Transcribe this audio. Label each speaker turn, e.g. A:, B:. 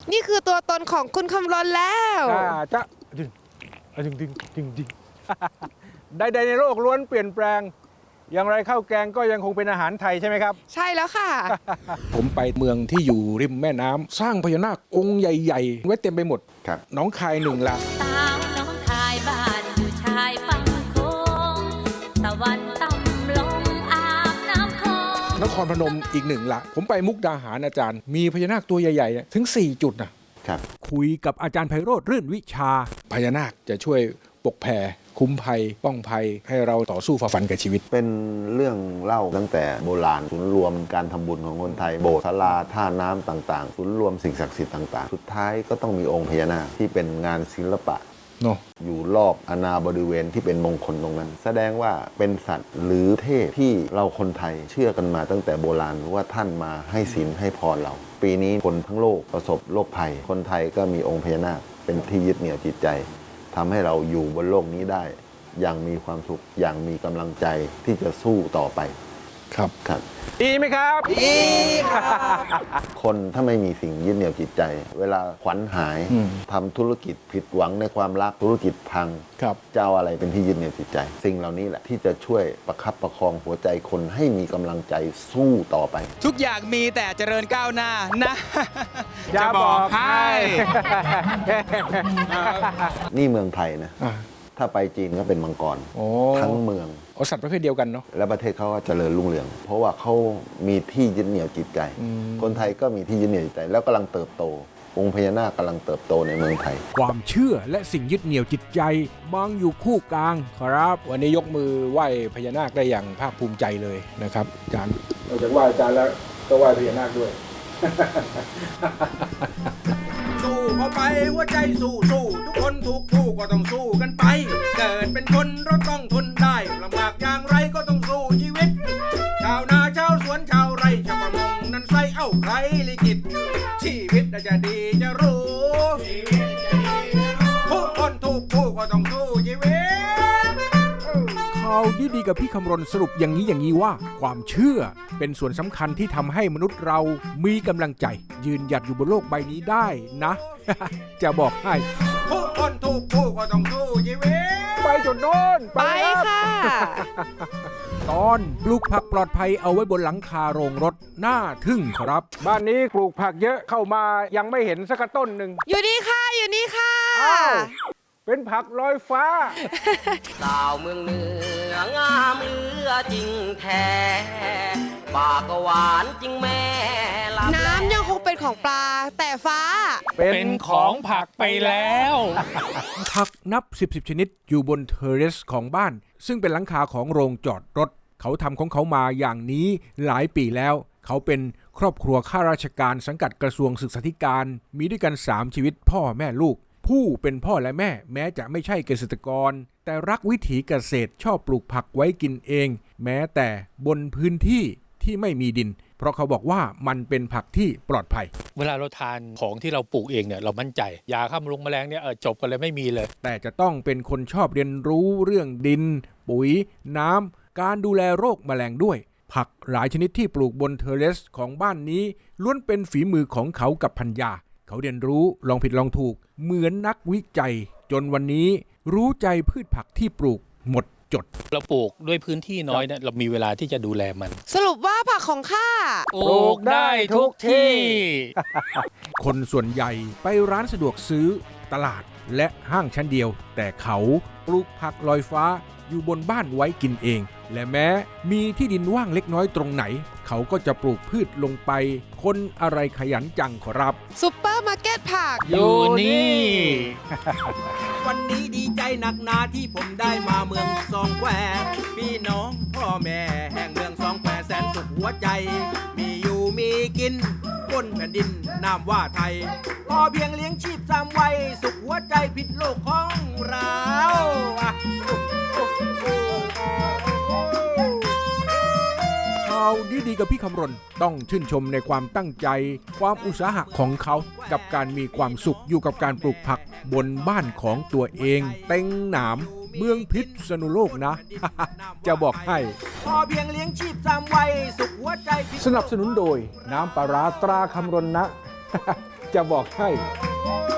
A: นี่คือตัวตนของคุณคำรณแล้ว
B: จะดึงใดๆในโลกล้วนเปลี่ยนแปลงอย่างไรข้าวแกงก็ยังคงเป็นอาหารไทยใช่ไหมครับ
A: ใช่แล้วค่ะ
B: ผมไปเมืองที่อยู่ริมแม่น้ำสร้างพญานาคองค์ใหญ่ๆไว้เต็มไปหมดครับหนองคาย1 ละ
C: สาวน้องคายบ้านอยู่ชายฝั่งโค้งตะวันต่ำลงอาบน้ำคลอง
B: นครพนมอีก1 ละผมไปมุกดาหารอาจารย์มีพญานาคตัวใหญ่ๆถึง4 จุดนะครับคุยกับอาจารย์ไพโรจน์รื่นวิชาพญานาคจะช่วยปกแผ่คุ้มภัยป้องภัยให้เราต่อสู้ฝ่าฟันกับชีวิต
D: เป็นเรื่องเล่าตั้งแต่โบราณศูนย์รวมการทำบุญของคนไทยโบสถ์ศาลาท่าน้ำต่างๆศูนย์รวมสิ่งศักดิ์สิทธิ์ต่างๆสุดท้ายก็ต้องมีองค์พญานาคที่เป็นงานศิลปะอยู่รอบอาณาบริเวณที่เป็นมงคลตรงนั้น แสดงว่าเป็นสัตว์หรือเทพที่เราคนไทยเชื่อกันมาตั้งแต่โบราณว่าท่านมาให้ศีลให้พรเราปีนี้คนทั้งโลกประสบโรคภัยคนไทยก็มีองค์พญานาคเป็นที่ยึดเหนี่ยวจิตใจทำให้เราอยู่บนโลกนี้ได้อย่างมีความสุขอย่างมีกำลังใจที่จะสู้ต่อไป
B: ครับ
D: ครับ
B: ดีไหมครับดี
D: ครับคนถ้าไม่มีสิ่งยึดเหนี่ยวจิตใจเวลาขวัญหายทำธุรกิจผิดหวังในความรักธุรกิจพังจะเอาอะไรเป็นที่ยึดเหนี่ยวจิตใจสิ่งเหล่านี้แหละที่จะช่วยประคับประคองหัวใจคนให้มีกำลังใจสู้ต่อไป
E: ทุกอย่างมีแต่เจริญก้าวหน้านะ
B: จะบอกให้
D: นี่เมืองไทยนะถ้าไปจีนก็เป็นมังกรทั้งเมือง
B: สัตว์ประเภทเดียวกันเนาะ
D: และประเทศเขาก็เจริญรุ่งเรืองเพราะว่าเขามีที่ยึดเหนี่ยวจิตใจคนไทยก็มีที่ยึดเหนี่ยวจิตใจแล้วกำลังเติบโตองค์พญานาคกำลังเติบโตในเมืองไทย
B: ความเชื่อและสิ่งยึดเหนี่ยวจิตใจมองอยู่คู่กลางครับวันนี้ยกมือไหว้พญานาคได้อย่างภาคภูมิใจเลยนะครับอาจารย์นอกจากไหว้อาจารย์แล้วก็ไหว้พญานาคด้วย
F: สู้เข้าไปหัวใจสู้ทุกคนทุกผู้ก็ต้องสู้กันไปเกิดเป็นคนเราต้องทนได้ลำบากอย่างไรก็ต้องสู้ชีวิตชาวนาชาวสวนชาวไร่ชาวประมงนั้นใส่เอ้าใครลิขิตชีวิตจะดีจะรู้ทุกคนทุกผู้ก็ต้องสู้ชีวิต
B: ข่าวดีๆกับพี่คำรณสรุปอย่างนี้ว่าความเชื่อเป็นส่วนสำคัญที่ทำให้มนุษย์เรามีกำลังใจยืนหยัดอยู่บนโลกใบนี้ได้นะ จะบอกให้
F: ทุกคนทุกผู้ก็ต้องสู้ชีวิต
B: ไปจนโน่น
A: ไปค่ะ
B: ตอนปลูกผักปลอดภัยเอาไว้บนหลังคาโรงรถน่าทึ่งครับบ้านนี้ปลูกผักเยอะเข้ามายังไม่เห็นสักต้นหนึ่ง
A: อยู่นี่ค่ะอยู่นี่ค่ะ
B: เป็นผักลอยฟ้า
G: สาวเมืองเหนืองามเลือจริงแท้ปากก็หวานจริงแม่
A: น้ำยังคงเป็นของปลาแต่ฟ้า
E: เป็นของผักไปแล้ว
B: ผักนับ10ชนิดอยู่บนเทอร์เรสของบ้านซึ่งเป็นหลังคาของโรงจอดรถเขาทำของเขามาอย่างนี้หลายปีแล้วเขาเป็นครอบครัวข้าราชการสังกัดกระทรวงศึกษาธิการมีด้วยกัน3ชีวิตพ่อแม่ลูกผู้เป็นพ่อและแม่แม้จะไม่ใช่เกษตรกรแต่รักวิถีเกษตรชอบปลูกผักไว้กินเองแม้แต่บนพื้นที่ที่ไม่มีดินเพราะเขาบอกว่ามันเป็นผักที่ปลอดภัย
E: เวลาเราทานของที่เราปลูกเองเนี่ยเรามั่นใจยาฆ่าแมลงเนี่ยจบกันเลยไม่มีเลย
B: แต่จะต้องเป็นคนชอบเรียนรู้เรื่องดินปุ๋ยน้ำการดูแลโรคแมลงด้วยผักหลายชนิดที่ปลูกบนเทอร์เรสของบ้านนี้ล้วนเป็นฝีมือของเขากับภรรยาเขาเรียนรู้ลองผิดลองถูกเหมือนนักวิจัยจนวันนี้รู้ใจพืชผักที่ปลูกหมดจด
E: เราปลูกด้วยพื้นที่น้อยเนี่ยเรามีเวลาที่จะดูแลมัน
A: สรุปว่าผักของข้า
E: ปลูกได้ทุกที่
B: คนส่วนใหญ่ไปร้านสะดวกซื้อตลาดและห้างชั้นเดียวแต่เขาปลูกผักลอยฟ้าอยู่บนบ้านไว้กินเองและแม้มีที่ดินว่างเล็กน้อยตรงไหนเขาก็จะปลูกพืชลงไปคนอะไรขยันจังครับ
A: ซุปเปอร์มาร์เก็ตผัก
E: อยู่นี่
F: วันนี้ดีใจหนักหนาที่ผมได้มาเมืองสองแควพี่น้องพ่อแม่แห่งเมืองสองแควแสนสุขหัวใจมีอยู่มีกินบนแผ่นดินนามว่าไทยพอเพียงเลี้ยงชีพ3วัยสุขหัวใจผิดโลกของเรา
B: ข่าวดีๆกับพี่คำรณต้องชื่นชมในความตั้งใจความอุตสาหะของเขากับการมีความสุขอยู่กับการปลูกผักบนบ้านของตัวเองเต็งหนามเมืองพิษณุโลกนะ จะบอกให้
F: พอเพียงเลี้ยงชีพ3วัยสุขหัวใจ
B: สนับสนุนโดยน้ำปลาร้าตราคำรณนะจะบอกให้